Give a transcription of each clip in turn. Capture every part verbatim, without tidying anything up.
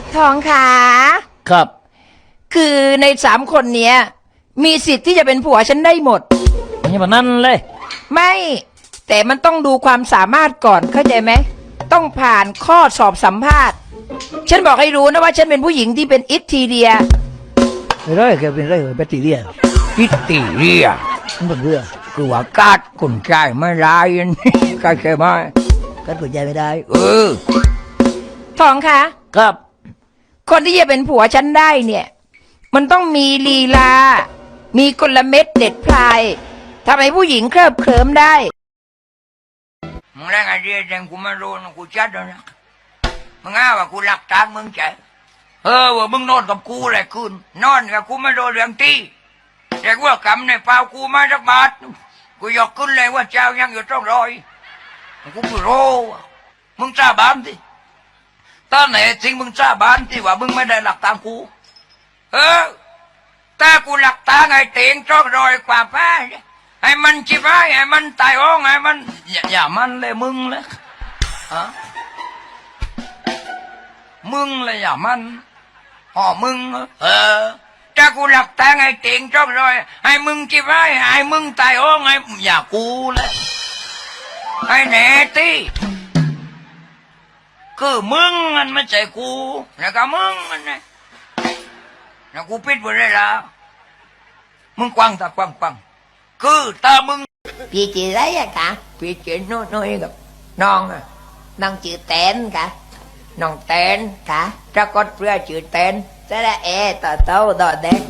ทองขาครับคือในสามคนเนี้ยมีสิทธิ์ที่จะเป็นผัวฉันได้หมดไม่ใช่แบบนั้นเลยไม่แต่มันต้องดูความสามารถก่อนเข้าใจไหมต้องผ่านข้อสอบสัมภาษณ์ฉันบอกให้รู้นะว่าฉันเป็นผู้หญิงที่เป็นอิทธีเรียไม่ได้แกเป็นไรเหรอแบตติเรียอิตติเรียมันเป็นเรื่องคือว่ากาดคนใจไม่ร้ายนี่กาดใช่ไหมกันเปิดใจไม่ได้เออทองคะครับคนที่จะเป็นผัวฉันได้เนี่ยมันต้องมีลีลามีกลเม็ดเด็ดพลายทำให้ผู้หญิงเคลิบเคลิ้มได้มึงแรงไอเดียแดงกูไม่รู้นะกูจัดแล้วนะมึงอ้าว่ากูหลักทางมึงใจเออว่ามึงนอนกับกูอะไรคืนนอนกับกูไม่โดนเรื่องตีแต่ว่ากำในเปล่ากูมาสักบาทกูยกขึ้นเลยว่าเจ้ายังอยู่ต้องรอยกูไม่รู้มึงจ้าบ้านดิตอนไหนจริงมึงจ้าบ้านที่ว่ามึงไม่ได้หลักทางกูเออแต่กูหลักทางไอ้เตียงจ้องรอยกว่าป้าให้มันชิบหายให้มันตายอ้องให้มันอย่าอย่ามันเลยมึงเลยฮะมึงเลยอย่ามันอ๋อมึงเออถ้ากูหลักทางไอ้เตียงจ้องรอยให้มึงชิบหายให้มึงตายอ้องให้อย่ากูเลยไอ้แหน่ตีคือมึงมันไม่ใช่กูแล้วก็มึงมันไงแล้วกูปิดไปเลยละมึงกวางตากวางกวางคือตามึงพี่จีไรอะคะพี่เจนน้อยน้อยกับน้องอะน้องจือแตนค่ะน้องแตนค่ะถ้ากดเพื่อจือแตนจะได้เอต่อเต้าต่อเด็ก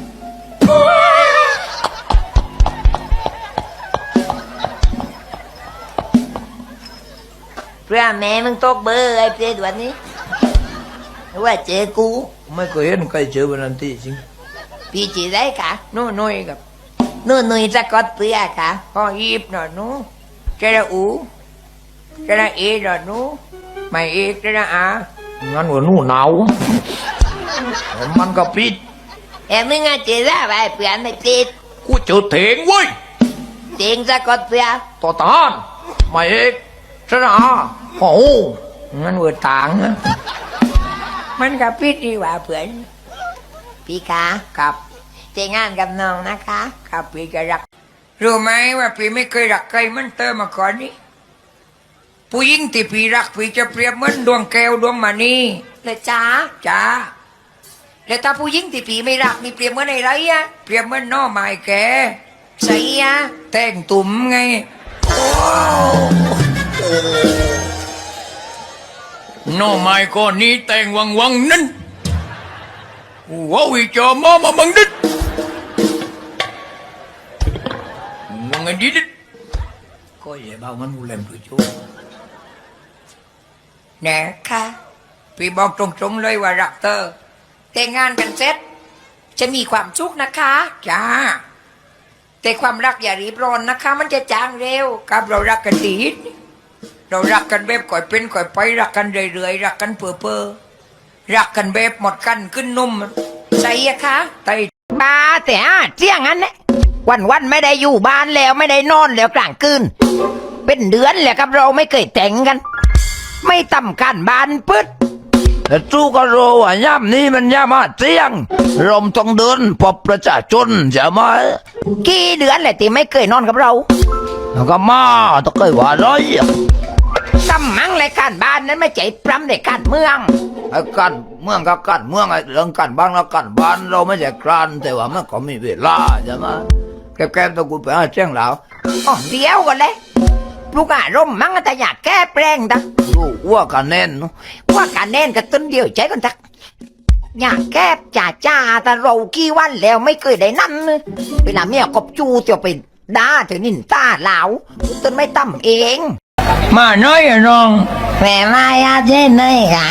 เพื่อแม่มึงตกเบอร์ไอ้เพื่อนวันนี้ว่าเจอกูไม่เคยเห็นใครเจอวันนั้นที่จริงพี่จีไรค่ะน้อยน้อยกับนู่นนู่นจะกดเพื่อค่ะพ่อยีบหน่อยนู้จะได้อูจะได้เอหน่อยนู้ไม่เอกจะได้อางั้นว่านู้หนาวมันก็ปิดเอ็มึงอะเจอแล้วไปเพื่อนไม่ปิดกูเจอเถงเว้ยเถงจะกดเพื่อต่อตานไม่เอกจะได้อาโอ้งั้นว่าต่างนะมันก็ปิดดีกว่าเพื่อนพี่คะกับเจงานกับน้องนะคะกับพี่จะรักรู้ไหมว่าพี่ไม่เคยรักใครมันเติมมาก่อนนี้ผู้หญิงที่พี่รักพี่จะเปรียบเหมือนดวงแก้วดวงมณีเลยจ้าจ้าแล้วถ้าผู้หญิงที่พี่ไม่รักนี่เปรียบเหมือนอะไรอะเปรียบเหมือนน้อไม้แก่ใส่อะแต่งตุ่มไงน้อไม้ก้อนนี้แต่งวังวังนั้นว้าวจอมามาบังดิดวังไงดิดก็อย่าบ้ามันกูเล่นตัวชั่วแน่ค่ะพี่บอกตรงๆเลยว่ารักเธอแต่งงานกันเสร็จจะมีความสุขนะคะจ้าแต่ความรักอย่ารีบร้อนนะคะมันจะจางเร็วกับเรารักกันดีเรารักกันแบบก่อยเป็นก่อยไปรักกันเรื่อยๆรักกันเปื่อเปื่อรักกันแบบหมดกันขึ้นนุ่มใช่คะไตบ้าแต่เที่ยงนั้นเนี่ยวันวันไม่ได้อยู่บ้านแล้วไม่ได้นอนแล้วกลางคืนเป็นเดือนแล้วครับเราไม่เคยแต่งกัน ไม่ต่ำกันบ้านปึ๊ดแต่จู้ก็รู้ว่าย่ำนี้มันย่ำมาเที่ยงลมต้องเดินพบประชาชนจะมากี่เดือนแหละที่ไม่เคยนอนกับเราแล้วก็มาต้องเคยว่าร้อยกำมังรายการบ้านนั้นไม่ใจปรำในการเมืองไอ้กันเมืองกับกันเมืองไอ้เรื่องกันบ้านแล้วกันบ้านเราไม่ใช่กรานแต่ว่ามันก็มีเวลาใช่ไหมแก้ๆต้องกูไปหาเจ้งแล้วอ๋อเดียวกันเลยลูกอารมณ์มั่งแต่อยากแก้แปลงดักลูกว่ากันแน่นว่ากันแน่นกับต้นเดียวใจกันทักอยากแก้จ่าจ่าแต่เรากี่วันแล้วไม่เคยได้นั่นเวลาเมียกบจูเตียวไปด่าเธอนินตาเหลาต้นไม่ตั้มเองมาน้อยอะน้องแม่มาอาเจนเลยค่ะ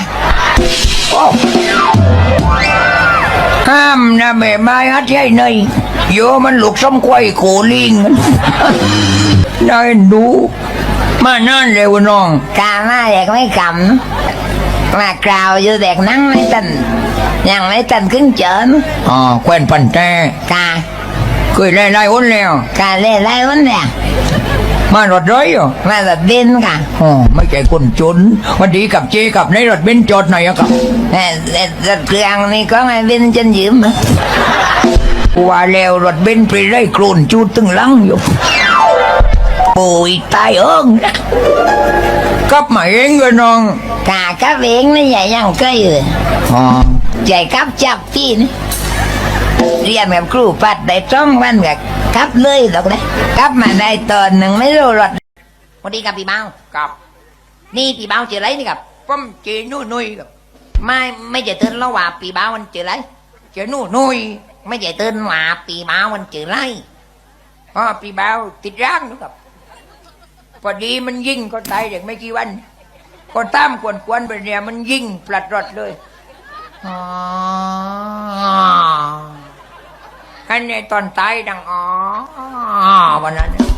ห้ามนะแม่มาอาเจนเลยโยมันลูกสมควายโคลิงน่าเอ็นดูมานั่นเร็วน้องกามาเด็กไม่กำมากล่าวอยู่เด็กนั่งไม่ตันยังไม่ตันขึ้นเจินอ๋อแควนปันแต่กาเคยไล่ไล่อ้นแล้วกาเล่ไล่อ้นแล้วมารถร้อยเหรอมารถเบนซ์ค่ะอ๋อไม่ใช่คนจนวันดีกับเจกับในรถเบนซ์จอดไหนอะครับแต่แต่รถเครื่องนี่ก็ไงเบนซ์ฉันยืมนะกูว่าแล้วรถเบนซ์ไปได้โคลนจูดตึงหลังอยู่ปุยตายเอิงกลับมาเองเลยน้องกากับเองนี่ใหญ่ยังก็อยู่อ๋อใหญ่กับจับพี่นี่เรียนกับครูปัดได้จ้องวันกับกับเลยหรอกนะกับมาได้ตอนหนึ่งไม่รู้รถสวัสดีครับพี่เมากับนี่พี่เมาเจออะไรนี่ครับป้อมเจนุ่ยนุ่ยกับไม่ไม่จะเตือนเราว่าปีบ้าวันเจออะไรเจนุ่ยนุ่ยไม่จะเตือนว่าปีบ้าวันเจออะไรอ๋อปีบ่าวติดร่างนะครับพอดีมันยิงก็ตายเด็กไม่กี่วันก็ตามกวนกวนๆไปเนี่ยมันยิงปลัดรถเลยอ๋ออันนี้ตอนตายดังอ๋อวันนั้นเนี่ย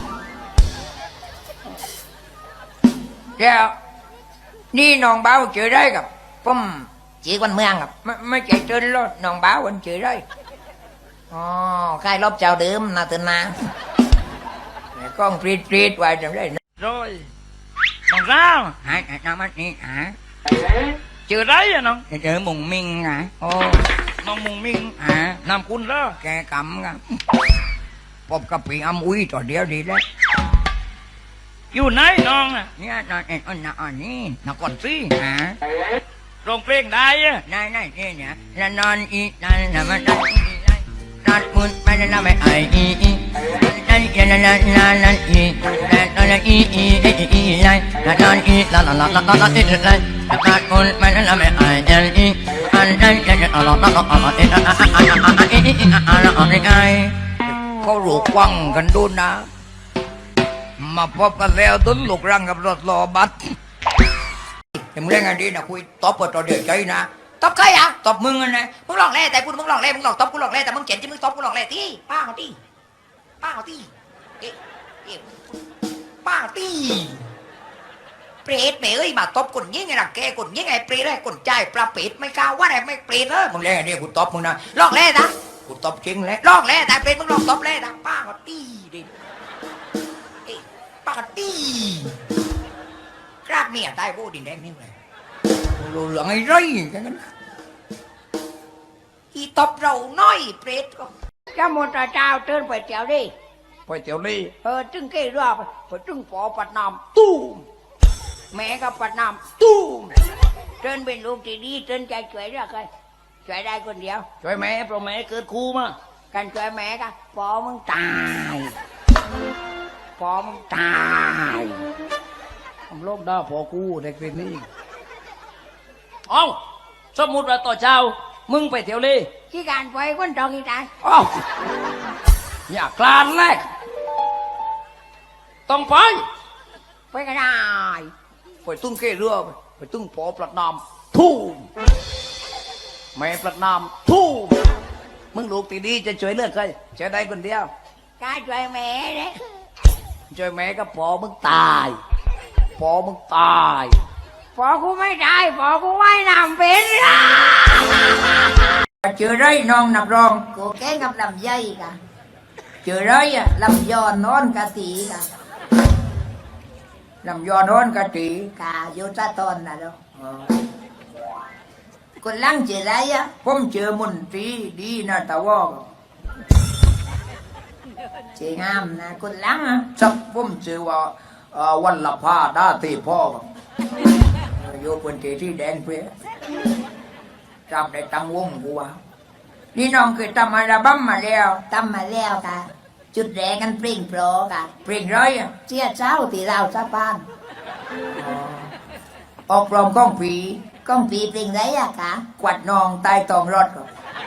แล้วนี่น้องบ่าวเจอได้กับป้อมจีกวันเมืองครับไม่ไม่ใจเตือนรถน้องบ่าววันเจอได้อ๋อใกล้รอบเจ้าเดิมนะเตือนนะแต่กล้องปรีดปรีดไว้จำได้นะ rồi bằng sao หายหายน้ำมันนี่หา chưa đấy à nó เจอมุงมิงหาโอ้ nó mùng miên หา làm cun đó แกกำกับพบกับปีอำอุ้ยต่อเดียวดีแล้วอยู่ไหนน้องอ่ะเนี่ยนอนเอ็นอนนอนนี่นอนก่อนสิหาร้องเพลงได้อ่ะได้ได้เนี่ยเนี่ยแล้วนอนอีนั่นน่ะมันนอนอีนั่นนอนมุนไปนั่นน่ะไม่ไออีอีนั่นนั่นนั่นนั่นนั่นอีนั่นนั่นอีอีอีอีนั่นนอนอีนั่นนั่นนั่นนั่นนั่นอีนั่นนอนมุนไปนั่นน่ะไม่ไอเอลอีอันนั่นนั่นนั่นนั่นนั่นนั่นนั่นอีนั่นนั่นนั่นนั่นอีอีอันนั่นนั่นไงเขาหลูกวังกันดูนะมาพบกันแล้วตุนลูกรังกับรถรอบัสเห็นมึงเล่นกันดีนะคุยตบเปิดต่อเดือดใจนะตบใครอ่ะตบมึงกันนะมึงลองเล่แต่กูมึงลองเล่มึงลองตบกูลองเล่แต่มึงเจ็บที่มึงตบกูลองเล่ที่ป้าเอาที่ป้าเอาที่เอ๊ะเอ๊ะป้าเอาที่เปรตเปรตเอ้ยมาตบคนยิ่งไงล่ะแกคนยิ่งไงเปรตไอ้คนใจปลาเปรตไม่กล้าว่าอะไรไม่เปรตเออมึงเล่นกันดีกูตบมึงนะลองเล่นะกูตบจริงแหล้วลองเล่แต่เปรตมึงลองตบเล่นะป้าเอาที่ดิเอ๊ะป้าเอาที่กราบเมียตายโบดินแดงนี่เลยรู้เรื่องไอ้ไรกันนะอีตบเราน้อยเปรตก็จ้าหมดเจ้าเตือนไปเจียวดิไปเตี๋ยวลี่เออจึงเกี่ยวไปไปจึงปอปัดน้ำตู้มแม่ก็ปัดน้ำตู้มเตือนเป็นลูกที่ดีเตือนใจช่วยได้ใครช่วยได้คนเดียวช่วยแม่เพราะแม่เกิดครูมากันช่วยแม่ก็ปอมึงตายปอมึงตายผมโลกด้าพอกูเด็กเป็นนี่เอ้าสมมุติว่าต่อเช้ามึงไปเที่ยวลี่ที่การไปคนจองอีตายเอ้าอย่ากลานแรกต้องไปไปก็ได้ไปตึ้งเกเรือไปไปตึ้งปอปลัดน้ำทู่มแม่ปลัดน้ำทู่มมึงลูกตีดีจะช่วยเลือกใครช่วยได้คนเดียวการช่วยแม่เนี่ยช่วยแม่ก็ปอมึงตายปอมึงตายปอกูไม่ได้ปอกูว่ายน้ำเป็นละเจอไรน้องนับรองกูแกล้งกับลำไยกะเจอไรอะลำยอนนอนกะตีกะลำยอนร้อนกะตีกะโยตาตอนน่ะเนาะคนลังเจออะไรอ่ะผมเจอมนตรีดีนะตาวอกเจองามนะคนลังอ่ะสักผมเจอว่าเอ่อวันละผ้าด้าตีพ่อครับโยเป็นตีที่แดงเพื่อจำได้ตั้งวงกูว่านี่น้องเคยทำอัลบั้มมาแล้วตำมาแล้วกะจุดแรกกันเปล่งโปรกะเพลงไรอะเจี๊ยเจ้าตีเราซะบ้านออกปลอมก้องผีก้องปีเปล่งไรอะกะกวัดนองใต้ตองรถครับ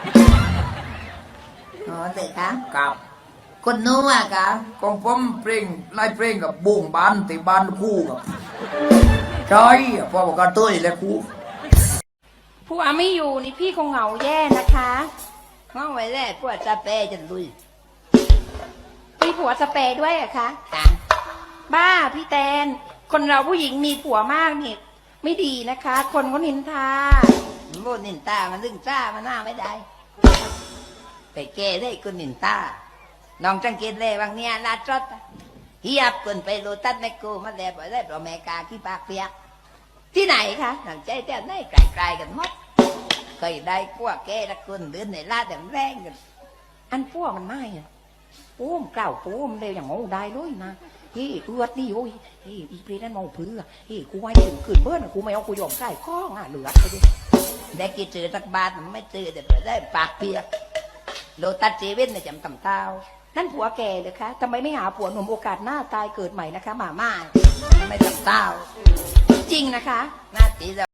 อ๋อเด็กกะกับคนนู้นอะกะของผมเพลงไล่เพลงกับบุ้งบานติบานคู่กับใช่พ่อบอกกันตุ้ยและคู่ผัวไม่อยู่นี่พี่คงเหงาแย่นะคะง้อไว้แรกพวกจะเปจะลุยมีผัวสเปรย์ด้วยเหรอะคะกะบ้าพี่แตน คนเราผู้หญิงมีผัวมากนี่ไม่ดีนะคะ คนเขานินทาโมนินตามันลึงจ้ามันหน้าไม่ได้ ไปแก้ได้คนนินตาน้องจังเกตเลยบางเนี้ยลาดจดอะเฮียบคนไปโลตัสแมคโครมาแล้วบ่ได้เพราะแม่กาขี้ปากเปียกที่ไหนคะหนังใจแต่ไหนไกลๆกันหมดเคยได้พวกแกละคนเดินในลาดแต่แรงกันอันพวกมันไม่อะโอ้มกล่าวโอ้มเร็วอย่างโง่ได้เลยนะเฮ้ยเอือดนี่โอ้ยเฮ้ยอีเพลนั่นมองเพื่อเฮ้ยกูไว้ถึงขืนเบิ้ลกูไม่เอากูยอมใส่ข้องอ่ะเหลือไปดิได้กี่เจอสักบาทมันไม่เจอแต่บ่ได้ปากเปียกโลตัสเจเว่นน่ะจำตำเท้านั่นผัวแกเลยคะทำไมไม่หาผัวหนุ่มโอกาสหน้าตายเกิดใหม่นะคะหมาม่าไม่ตำเท้าจริงนะคะหน้าตี